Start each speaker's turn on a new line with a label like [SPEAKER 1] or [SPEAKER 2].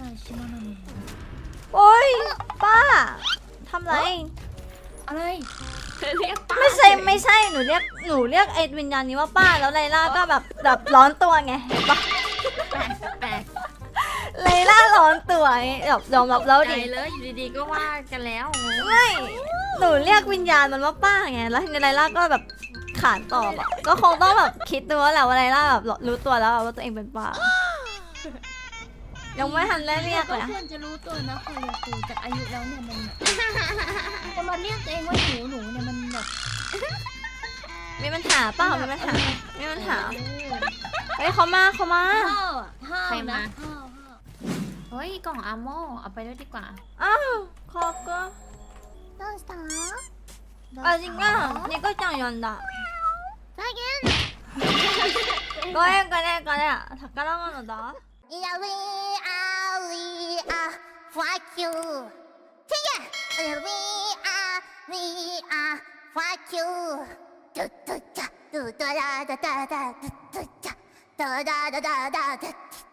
[SPEAKER 1] ชิมานามิ
[SPEAKER 2] โอ๊ยป้าทำไร
[SPEAKER 1] อะไร
[SPEAKER 3] เรียกป้า
[SPEAKER 2] ไม่ใช่หนูเรียกไอ้วิญญาณนี้ว่าป้าแล้วไลล่าก็แบบร้อนตัวไงเห็นปะ
[SPEAKER 3] แปลก
[SPEAKER 2] ไลล่าร้อนตัวไงแบบยอมรับแล้ว
[SPEAKER 3] ใจ
[SPEAKER 2] ดิ
[SPEAKER 3] เลยอยู่ดีๆก็ว่ากันแล้วงง
[SPEAKER 2] ไม่หนูเรียกวิญญาณมันว่าป้าไงแล้วทีนี้ไลล่าก็แบบขานตอบอะก็คงต้องแบบคิดดูว่าแหละว่าไลล่าแบบรู้ตัวแล้วว่าตัวเองเป็นป้ายังไม่ทันได้เรียกเลย
[SPEAKER 1] ก็ควรจะรู้ตัวนะพอเรียกตูจากอายุแล้วเนี่ยมันจะมาเรียกตัวเองว่าหนูเนี่ยมันแบบ
[SPEAKER 2] มีปัญหาเปล่ามีปัญหาเฮ้ยเขามา
[SPEAKER 1] ห้าวนะห้าว
[SPEAKER 3] เฮ้ยกล่องอาโมเอาไปด้วยดีกว่า
[SPEAKER 2] อ้าวขอบก็
[SPEAKER 1] どうした
[SPEAKER 2] あจริงอ่ะนี่ก็จังยอนดะ
[SPEAKER 1] 再現
[SPEAKER 2] ก็เอง宝物だ
[SPEAKER 1] いや we are fuck you 再現 we are fuck you ドゥドゥチャドゥドラダダダドゥドゥチャドダダダダドゥ